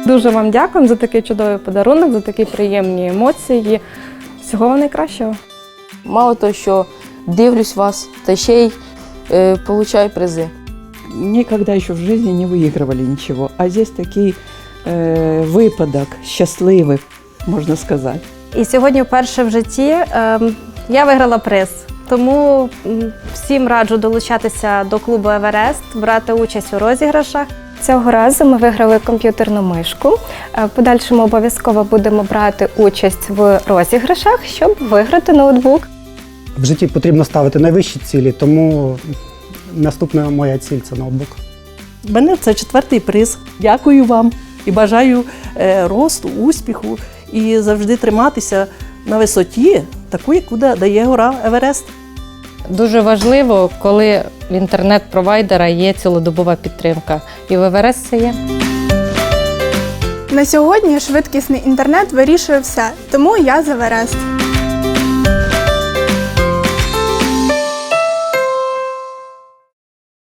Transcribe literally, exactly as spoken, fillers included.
Дуже вам дякуємо за такий чудовий подарунок, за такі приємні емоції. Всього вам найкращого. Мало того, що дивлюсь вас, та ще й е, получаю призи. Никогда еще в жизни не выигрывали ничего, а здесь такий э, випадок щасливий, можна сказати. І сьогодні вперше в житті е, я виграла приз. Тому м, всім раджу долучатися до клубу «Еверест», брати участь у розіграшах. Цього разу ми виграли комп'ютерну мишку. В подальшому обов'язково будемо брати участь в розіграшах, щоб виграти ноутбук. В житті потрібно ставити найвищі цілі, тому наступна моя ціль – це ноутбук. У мене це четвертий приз. Дякую вам і бажаю е, росту, успіху і завжди триматися на висоті, таку, яку дає гора Еверест. Дуже важливо, коли в інтернет-провайдера є цілодобова підтримка. І в Еверест це є. На сьогодні швидкісний інтернет вирішує все, тому я за Еверест.